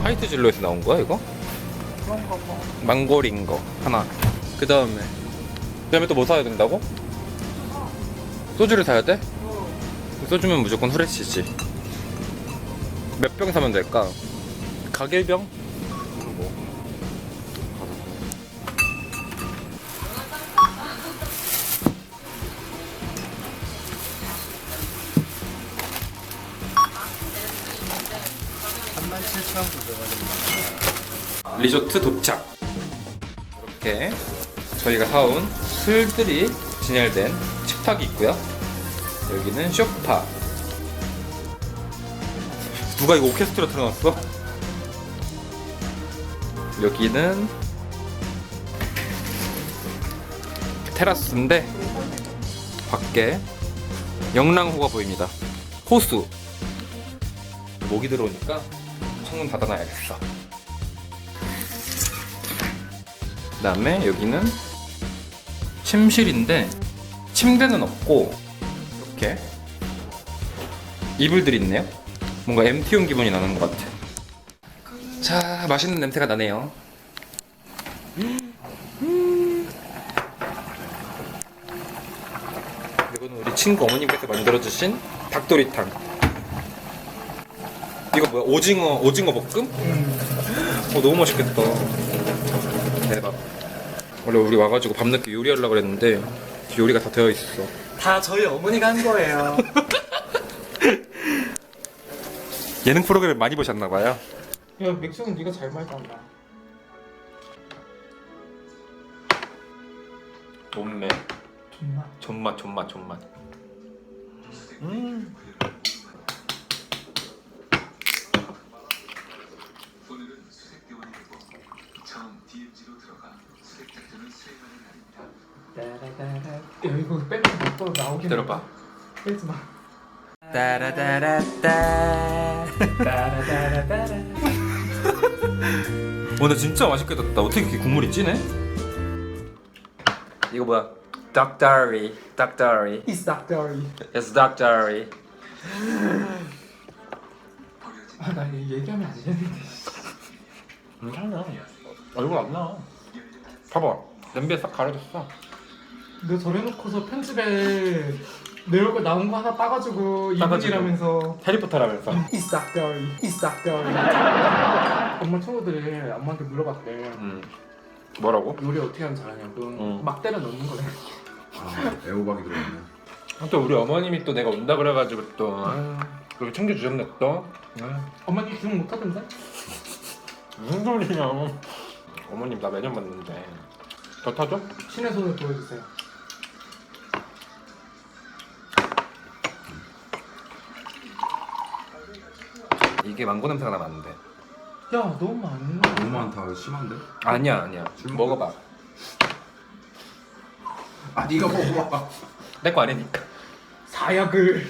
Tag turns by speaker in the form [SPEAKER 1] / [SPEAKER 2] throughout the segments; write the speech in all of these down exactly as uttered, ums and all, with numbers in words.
[SPEAKER 1] 화이트 진로에서 나온 거야 이거?
[SPEAKER 2] 그런가 봐.
[SPEAKER 1] 망고린 거 하나. 그 다음에 그 다음에 또 뭐 사야 된다고? 소주를 사야 돼? 소주면 무조건 후레쉬지. 몇 병 사면 될까? 가길병? 뭐.
[SPEAKER 2] 삼만 칠천구백 원입니다.
[SPEAKER 1] 리조트 도착. 이렇게 저희가 사온 술들이 진열된 식탁이 있고요. 여기는 쇼파. 누가 이거 오케스트라 틀어놨어? 여기는 테라스인데 밖에 영랑호가 보입니다. 호수. 모기 들어오니까 창문 닫아놔야겠어. 그 다음에 여기는 침실인데 침대는 없고 이렇게 이불들이 있네요. 뭔가 엠티용 기분이 나는 것 같아. 자, 맛있는 냄새가 나네요. 음. 이거는 우리 친구 어머님께서 만들어주신 닭도리탕. 이거 뭐야? 오징어 오징어 볶음? 어, 너무 맛있겠다. 대박. 원래 우리 와가지고 밤늦게 요리하려고 그랬는데 요리가 다 되어 있어.
[SPEAKER 2] 다 저희 어머니가 한 거예요.
[SPEAKER 1] 예능 프로그램 많이 보셨나봐요.
[SPEAKER 2] 야, 맥주는 네가 잘 말잖아.
[SPEAKER 1] 존매.
[SPEAKER 2] 정말.
[SPEAKER 1] 존맛 존맛 존맛. 음.
[SPEAKER 2] 따라따라. 야, 이거 빼면 또 나오긴.
[SPEAKER 1] 기다려봐.
[SPEAKER 2] 빼지 마.
[SPEAKER 1] 따라따라따.
[SPEAKER 2] 따라따라따라.
[SPEAKER 1] 오늘 진짜 맛있게 됐다. 어떻게 이렇게 국물이 진해? 이거 뭐야? Duck Diary. Duck Diary.
[SPEAKER 2] It's Doctor.
[SPEAKER 1] It's Duck Diary.
[SPEAKER 2] 아, 나 이거 얘기하면 안 되는데.
[SPEAKER 1] 괜찮아. 얼굴 안 나. 봐봐. 냄비에 싹 가려졌어.
[SPEAKER 2] 너 저래놓고서 편집에 내 얼굴 나온 거 하나 따가지고
[SPEAKER 1] 따가지고.
[SPEAKER 2] 이분이라면서
[SPEAKER 1] 해리포터라면서.
[SPEAKER 2] It's Doctor. It's Doctor. 엄마 친구들이 엄마한테 물어봤대.
[SPEAKER 1] 음. 뭐라고?
[SPEAKER 2] 요리 어떻게 하면 잘하냐고.
[SPEAKER 1] 응.
[SPEAKER 2] 막 때려 넣는 거래.
[SPEAKER 3] 아, 애호박이 들어있네.
[SPEAKER 1] 또 우리 어머님이 또 내가 온다 그래가지고 또 아유, 그렇게 챙겨주셨네 또. 아유,
[SPEAKER 2] 엄마님 기억 못 하던데?
[SPEAKER 1] 무슨 소리냐. 어머님 나 매년 봤는데. 더 타줘?
[SPEAKER 2] 신의 손을 보여주세요.
[SPEAKER 1] 이게 망고 냄새가 나면 안 돼.
[SPEAKER 2] 야, 너무 많네.
[SPEAKER 3] 너무 많다. 심한데?
[SPEAKER 1] 아니야 아니야.
[SPEAKER 3] 술
[SPEAKER 1] 먹어봐.
[SPEAKER 3] 아, 네가 먹어봐.
[SPEAKER 1] 내 거 아니니까.
[SPEAKER 2] 사약을.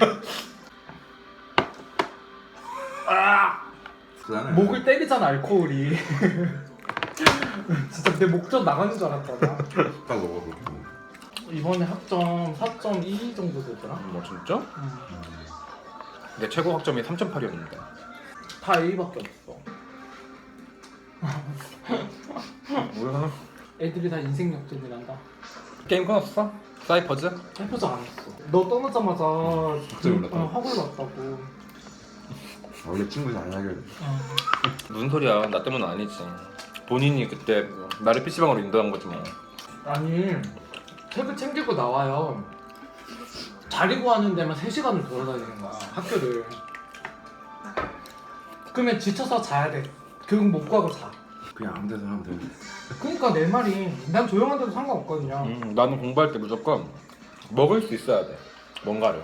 [SPEAKER 2] 아,
[SPEAKER 3] 그다음에
[SPEAKER 2] 목을 때리잖아 알코올이. 진짜 내 목 좀 나가는 줄 알았잖아.
[SPEAKER 3] 딱 먹어 그렇게.
[SPEAKER 2] 이번에 학점 사 점 이 정도 되더라.
[SPEAKER 1] 뭐 진짜?
[SPEAKER 2] 음.
[SPEAKER 1] 내 최고 학점이 삼 점 팔이었는데.
[SPEAKER 2] 다 A밖에 없어.
[SPEAKER 1] 뭐야?
[SPEAKER 2] 애들이 다 인생 역전이란다.
[SPEAKER 1] 게임 끊었어? 사이퍼즈?
[SPEAKER 2] 해보자 안 했어. 너 떠나자마자
[SPEAKER 3] 갑자기 올랐다.
[SPEAKER 2] 어, 확 올랐다고.
[SPEAKER 3] 원래 친구 잘 사귀어야 돼.
[SPEAKER 2] 어.
[SPEAKER 1] 무슨 소리야? 나 때문은 아니지. 본인이 그때 나를 피시방으로 인도한 거지 뭐.
[SPEAKER 2] 아니 책을 챙기고 나와요. 자리 구하는 데만 세 시간을 돌아다니는 거야 학교를. 그러면 지쳐서 자야 돼. 결국 못 구하고 자.
[SPEAKER 3] 그냥 아무 데서 하면 돼.
[SPEAKER 2] 그러니까 내 말이 난 조용한 데도 상관없거든요.
[SPEAKER 1] 음, 나는 공부할 때 무조건 먹을 수 있어야 돼. 뭔가를.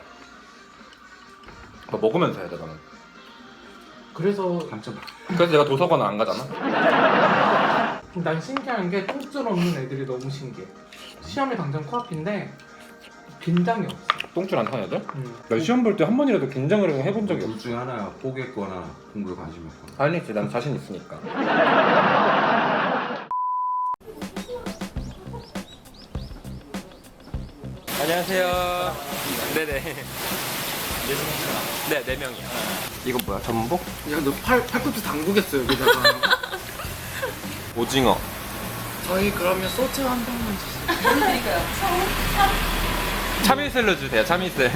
[SPEAKER 1] 뭐 먹으면서 해야 돼 나는.
[SPEAKER 2] 그래서
[SPEAKER 3] 삼 점 팔.
[SPEAKER 1] 그래서 내가 도서관을 안 가잖아.
[SPEAKER 2] 난 신기한 게 똥줄 없는 애들이 너무 신기해. 시험이 당장 코앞인데 긴장이 없어.
[SPEAKER 1] 똥줄 안 타는 애들?
[SPEAKER 2] 음.
[SPEAKER 1] 나 시험 볼 때 한 번이라도 긴장을 해본 적이 없어.
[SPEAKER 3] 둘 중에 하나야. 포기했거나 공부에 관심이 없거나.
[SPEAKER 1] 아니지, 난 자신 있으니까. 안녕하세요. 네네. 네, 네 명이요. 이거 뭐야? 전복?
[SPEAKER 2] 야너 팔 팔꿈치 당구겠어 여기다가.
[SPEAKER 1] 오징어.
[SPEAKER 2] 저희 그러면 소주 한 병만 주세요.
[SPEAKER 1] 참이슬로 주세요. 참이슬.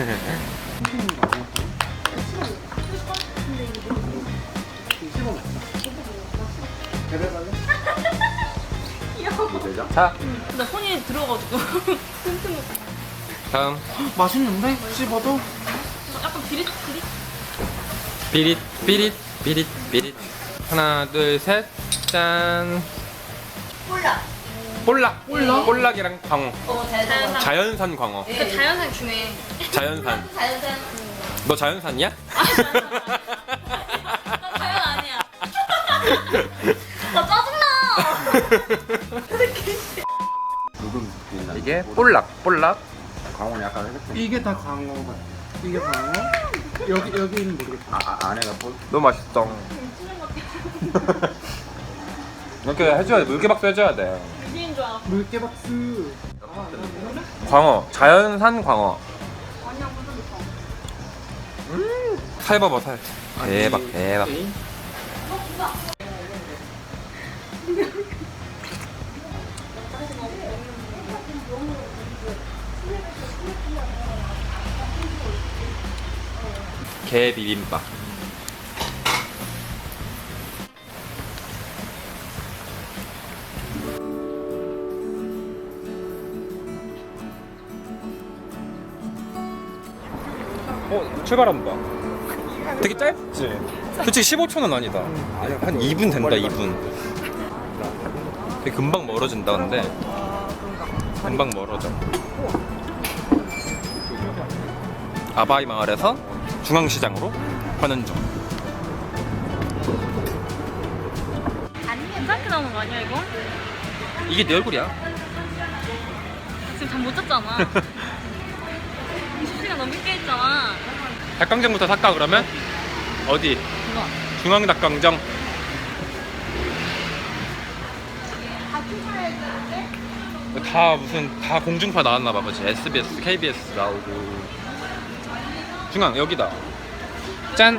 [SPEAKER 1] 자,
[SPEAKER 4] 나 손이 들어가지고 튼튼
[SPEAKER 1] 다음.
[SPEAKER 2] 맛있는데? 씹어도?
[SPEAKER 4] 약간 비릿 비릿
[SPEAKER 1] 비릿 비릿 비릿 비릿. 하나 둘 셋. 짠.
[SPEAKER 4] 콜라.
[SPEAKER 1] 볼락.
[SPEAKER 2] 볼락?
[SPEAKER 1] 볼락이랑 광어.
[SPEAKER 4] 어 자연산.
[SPEAKER 1] 자연산 광어.
[SPEAKER 4] 그 자연산 주네.
[SPEAKER 1] 자연산.
[SPEAKER 4] 자연산.
[SPEAKER 1] 너 자연산이야?
[SPEAKER 4] 나 자연 아니야. 나 짜증나.
[SPEAKER 3] 누군 있나?
[SPEAKER 1] 이게 볼락. 볼락.
[SPEAKER 3] 광원 약간 해봤더니
[SPEAKER 2] 이게 다 광어가. 이게 광어? 여기 여기는 모르겠다.
[SPEAKER 3] 아, 아 안에가 볼.
[SPEAKER 1] 너무 맛있어. 이렇게 해줘야 돼. 물개박수 해줘야 돼.
[SPEAKER 4] 유기인 줄 알았어.
[SPEAKER 2] 물개 박스.
[SPEAKER 1] 광어. 자연산 광어.
[SPEAKER 4] 아니야 완전 좋다.
[SPEAKER 1] 음. 살 봐봐 살. 대박 대박. 게 비빔밥. 어 출발한다. 되게 짧지? 솔직히 십오 초는 아니다. 한 이 분 된다 이 분. 되게 금방 멀어진다 근데. 금방 멀어져. 아바이 마을에서 중앙시장으로 가는 중.
[SPEAKER 4] 아니 괜찮게 나오는 거 아니야 이거?
[SPEAKER 1] 이게 내 얼굴이야.
[SPEAKER 4] 지금 잠 못 잤잖아. 이십 시간 넘게 깨 있잖아.
[SPEAKER 1] 닭강정부터 살까 그러면? 어디?
[SPEAKER 4] 이거.
[SPEAKER 1] 중앙 닭강정. 다 무슨 다 공중파 나왔나 봐. 그치? 에스비에스, 케이비에스 나오고. 중앙 여기다. 짠.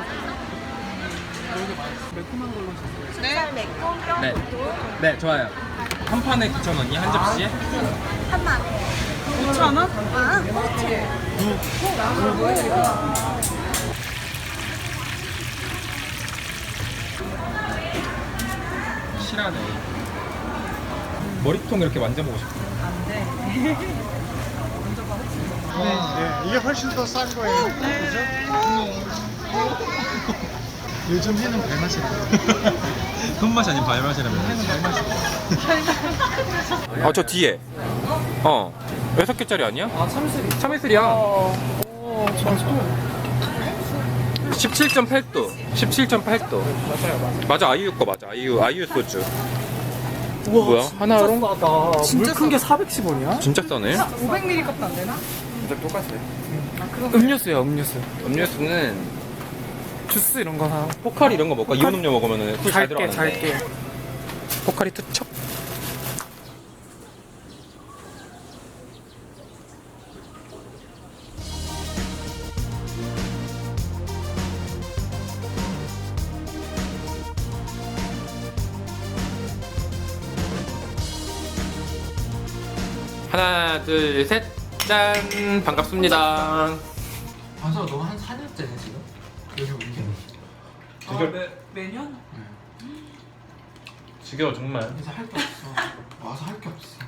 [SPEAKER 2] 매콤한 걸로 주세요.
[SPEAKER 4] 네. 매콤
[SPEAKER 1] 네. 네, 좋아요. 한 판에 구천 원이 한 접시에?
[SPEAKER 4] 한만. 오천 원? 아,
[SPEAKER 1] 실하네. 머리통 이렇게 만져보고 싶어.
[SPEAKER 5] 네, 이게 훨씬 더 싼 거예요. 그죠? 요즘 해는 발맛이라고.
[SPEAKER 1] 손맛이 아닌 발맛이라면. 아, 저 뒤에. 어. 여섯 개짜리 아니야?
[SPEAKER 2] 아 참슬이.
[SPEAKER 1] 참이슬이야.
[SPEAKER 2] 오 좋아.
[SPEAKER 1] 십칠 점 팔 도. 십칠 점 팔 도.
[SPEAKER 2] 맞아요 맞아요.
[SPEAKER 1] 맞아, 아이유 거 맞아. 아이유, 아이유 소주.
[SPEAKER 2] 우와,
[SPEAKER 1] 뭐야?
[SPEAKER 2] 진짜
[SPEAKER 1] 하나로?
[SPEAKER 2] 싸다. 물 큰 게 사백십 원이야?
[SPEAKER 1] 진짜 싸네.
[SPEAKER 6] 오백 밀리리터 값도 안 되나?
[SPEAKER 1] 진짜 똑같아.
[SPEAKER 2] 음료수야 음료수.
[SPEAKER 1] 음료수는
[SPEAKER 2] 주스 이런 거 사.
[SPEAKER 1] 포카리 이런 거 먹고 이온 음료 먹으면 술 잘
[SPEAKER 2] 잘게
[SPEAKER 1] 들어가는데.
[SPEAKER 2] 잘게.
[SPEAKER 1] 포카리 투척. 하나 둘 셋 짠. 반갑습니다.
[SPEAKER 2] 반서 너 한 사 년째네 지금? 여기 온 게.
[SPEAKER 1] 아, 매,
[SPEAKER 6] 매년?
[SPEAKER 1] 지겨워 정말.
[SPEAKER 2] 이제 할 게 없어. 와서 할 게 없어.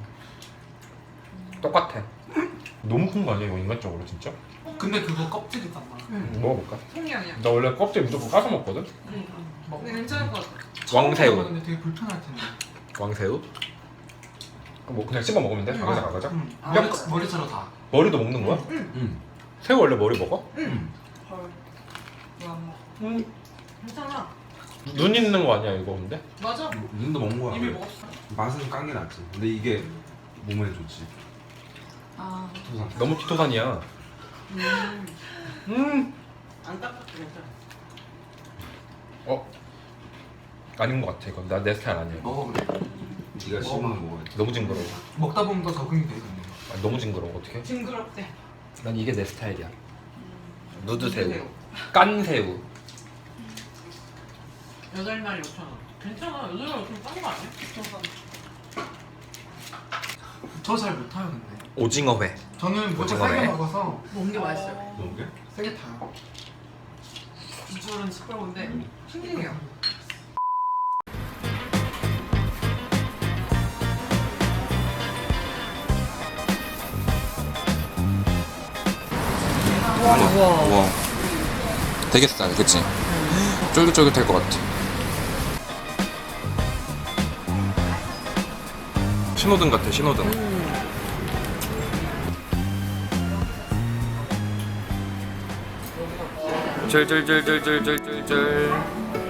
[SPEAKER 1] 똑같아. 너무 큰 거 아니야 이거 인간적으로 진짜?
[SPEAKER 2] 근데 그거 껍질이잖아.
[SPEAKER 1] 응. 먹어볼까?
[SPEAKER 6] 통영이야.
[SPEAKER 1] 나 원래 껍질 무조건 까서 먹거든?
[SPEAKER 2] 먹.
[SPEAKER 6] 근데 괜찮을 것 같아.
[SPEAKER 1] 왕새우.
[SPEAKER 2] 근데 되게 불편할 텐데.
[SPEAKER 1] 왕새우? 그럼 뭐 그냥 씹어 먹으면 돼? 가가자 가가자.
[SPEAKER 2] 응.
[SPEAKER 1] 야,
[SPEAKER 2] 머리, 머리채로 다.
[SPEAKER 1] 머리도 먹는 거야?
[SPEAKER 3] 응.
[SPEAKER 1] 새우 원래 머리 먹어?
[SPEAKER 6] 헐. 왜안 먹어? 괜찮아.
[SPEAKER 1] 눈 있는 거 아니야 이거 근데?
[SPEAKER 6] 맞아.
[SPEAKER 3] 눈도 먹는 거야.
[SPEAKER 6] 이미 먹었어.
[SPEAKER 3] 맛은 깐 게 낫지. 근데 이게 몸에 좋지.
[SPEAKER 6] 아.
[SPEAKER 3] 토산.
[SPEAKER 1] 너무 키토산이야.
[SPEAKER 6] 음.
[SPEAKER 1] 음.
[SPEAKER 6] 안 닦아도 괜찮아.
[SPEAKER 1] 어? 아닌 것 같아 이건. 나 내 스타일 아니야. 이거.
[SPEAKER 2] 먹어 그래.
[SPEAKER 3] 네가 씹으면 먹어야지.
[SPEAKER 1] 너무 징그러워.
[SPEAKER 2] 먹다 보면 더 적응이 돼 근데.
[SPEAKER 1] 아, 너무 징그러워 어떡해?
[SPEAKER 6] 징그럽대.
[SPEAKER 1] 난 이게 내 스타일이야. 누드새우, 깐새우.
[SPEAKER 6] 여덟 마리 오천 원. 괜찮아. 여덟 마리 오천 원 싼 거 아니야?
[SPEAKER 2] 저 잘 못 타요 근데.
[SPEAKER 1] 오징어회.
[SPEAKER 2] 저는 무조건
[SPEAKER 1] 오징어회?
[SPEAKER 2] 세게 먹어서
[SPEAKER 6] 먹는 게 맛있어요.
[SPEAKER 3] 너무 게?
[SPEAKER 2] 세게 타요.
[SPEAKER 6] 비주얼은 시끄러운데 싱싱해요.
[SPEAKER 1] 우와. 우와. 되게 싸요, 그치? 쫄깃쫄깃할 것 같아. 신호등 같아, 신호등. 쫄쫄쫄쫄쫄쫄쫄쫄.